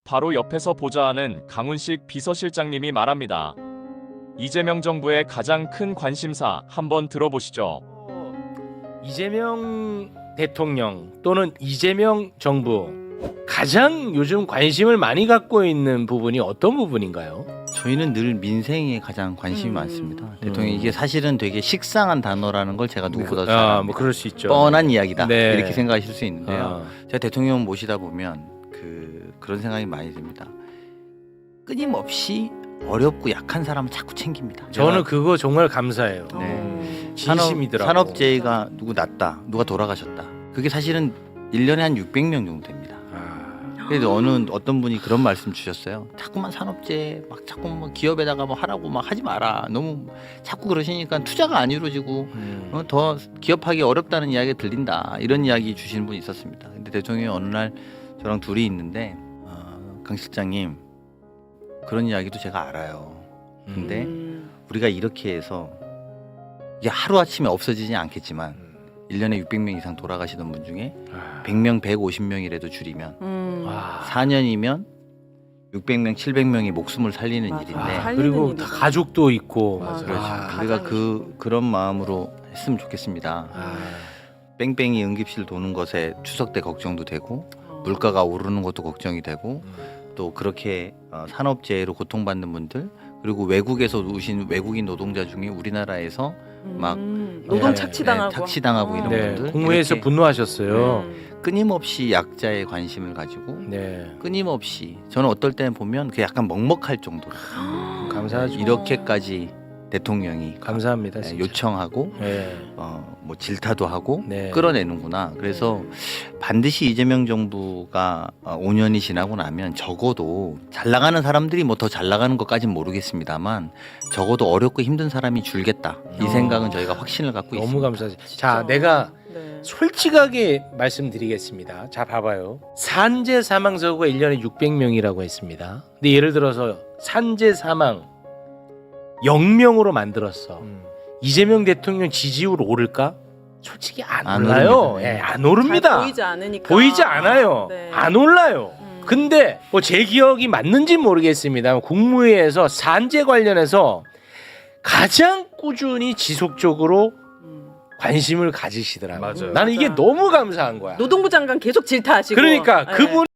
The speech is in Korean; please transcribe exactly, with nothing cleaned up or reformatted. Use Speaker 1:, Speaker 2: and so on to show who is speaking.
Speaker 1: 바로 옆에서 보좌하는 강훈식 비서실장님이 말합니다. 이재명 정부의 가장 큰 관심사 한번 들어보시죠.
Speaker 2: 이재명 대통령 또는 이재명 정부 가장 요즘 관심을 많이 갖고 있는 부분이 어떤 부분인가요?
Speaker 3: 저희는 늘 민생에 가장 관심이
Speaker 4: 음.
Speaker 3: 많습니다. 대통령 이게 사실은 되게 식상한 단어라는 걸 제가 누구보다 잘
Speaker 2: 아,
Speaker 3: 압니다.
Speaker 2: 뭐 그럴 수 있죠.
Speaker 3: 뻔한 이야기다
Speaker 2: 네.
Speaker 3: 이렇게 생각하실 수 있는데요.
Speaker 2: 아.
Speaker 3: 제가 대통령 모시다 보면 그 그런 생각이 많이 듭니다. 끊임없이 어렵고 약한 사람을 자꾸 챙깁니다.
Speaker 2: 저는 그거 정말 감사해요.
Speaker 3: 네.
Speaker 2: 진심이더라고.
Speaker 3: 산업, 산업재해가 누구 났다, 누가 돌아가셨다. 그게 사실은 일 년에 한 육백 명 정도 됩니다.
Speaker 2: 아.
Speaker 3: 그래도 어느 어떤 분이 그런 말씀 주셨어요. 자꾸만 산업재해 막 자꾸 뭐 기업에다가 뭐 하라고 막 하지 마라. 너무 자꾸 그러시니까 투자가 안 이루어지고
Speaker 2: 음.
Speaker 3: 어, 더 기업하기 어렵다는 이야기가 들린다. 이런 이야기 주시는 분이 있었습니다. 근데 대통령이 어느 날 저랑 둘이 있는데 어, 강 실장님 그런 이야기도 제가 알아요. 근데
Speaker 4: 음.
Speaker 3: 우리가 이렇게 해서 이게 하루아침에 없어지지 않겠지만 일 년에 육백 명 이상 돌아가시던 분 중에
Speaker 2: 아.
Speaker 3: 백 명, 백오십 명이라도 줄이면
Speaker 4: 음.
Speaker 2: 와.
Speaker 3: 사 년이면 육백 명, 칠백 명이 목숨을 살리는
Speaker 4: 맞아.
Speaker 3: 일인데
Speaker 2: 아,
Speaker 4: 살리는
Speaker 2: 그리고
Speaker 4: 일이다.
Speaker 2: 다 가족도 있고.
Speaker 4: 맞아.
Speaker 3: 그렇죠.
Speaker 2: 아.
Speaker 3: 우리가
Speaker 4: 가장
Speaker 3: 그 그런 마음으로 했으면 좋겠습니다.
Speaker 2: 아.
Speaker 3: 뺑뺑이 응급실 도는 것에 추석 때 걱정도 되고
Speaker 4: 어.
Speaker 3: 물가가 오르는 것도 걱정이 되고
Speaker 2: 음.
Speaker 3: 또 그렇게 어, 산업재해로 고통받는 분들 그리고 외국에서 오신 외국인 노동자 중에 우리나라에서 막
Speaker 4: 음. 노동
Speaker 2: 네,
Speaker 4: 착취당하고
Speaker 3: 네, 착취당하고 이런
Speaker 2: 네,
Speaker 3: 분들
Speaker 2: 국무회에서
Speaker 3: 이렇게
Speaker 2: 분노하셨어요.
Speaker 4: 음.
Speaker 3: 끊임없이 약자의 관심을 가지고
Speaker 2: 네.
Speaker 3: 끊임없이 저는 어떨 때는 보면 그 약간 먹먹할 정도로
Speaker 2: 감사하죠.
Speaker 3: 이렇게까지 대통령이
Speaker 2: 감사합니다.
Speaker 3: 네,
Speaker 2: 진짜.
Speaker 3: 요청하고
Speaker 2: 네.
Speaker 3: 어, 뭐 질타도 하고
Speaker 2: 네.
Speaker 3: 끌어내는구나. 그래서 반드시 이재명 정부가 어, 오 년이 지나고 나면 적어도 잘 나가는 사람들이 뭐 더 잘 나가는 것까지는 모르겠습니다만 적어도 어렵고 힘든 사람이 줄겠다. 이
Speaker 4: 어.
Speaker 3: 생각은 저희가 확신을 갖고
Speaker 2: 너무
Speaker 3: 있습니다.
Speaker 2: 감사해요. 자, 내가
Speaker 4: 네.
Speaker 2: 솔직하게 말씀드리겠습니다. 자, 봐봐요. 산재 사망 사고가 일 년에 육백 명이라고 했습니다. 근데 예를 들어서 산재 사망 영 명으로 만들었어.
Speaker 3: 음.
Speaker 2: 이재명 대통령 지지율 오를까? 솔직히 안,
Speaker 3: 안
Speaker 2: 올라요.
Speaker 3: 오릅니다.
Speaker 2: 예, 안 오릅니다.
Speaker 4: 잘 보이지 않으니까.
Speaker 2: 보이지 않아요.
Speaker 4: 네.
Speaker 2: 안 올라요.
Speaker 4: 음.
Speaker 2: 근데 뭐 제 기억이 맞는지 모르겠습니다. 국무회에서 산재 관련해서 가장 꾸준히 지속적으로
Speaker 4: 음.
Speaker 2: 관심을 가지시더라고요.
Speaker 1: 맞아요.
Speaker 2: 나는 이게
Speaker 4: 맞아.
Speaker 2: 너무 감사한 거야.
Speaker 4: 노동부 장관 계속 질타하시고.
Speaker 2: 그러니까
Speaker 4: 네.
Speaker 2: 그분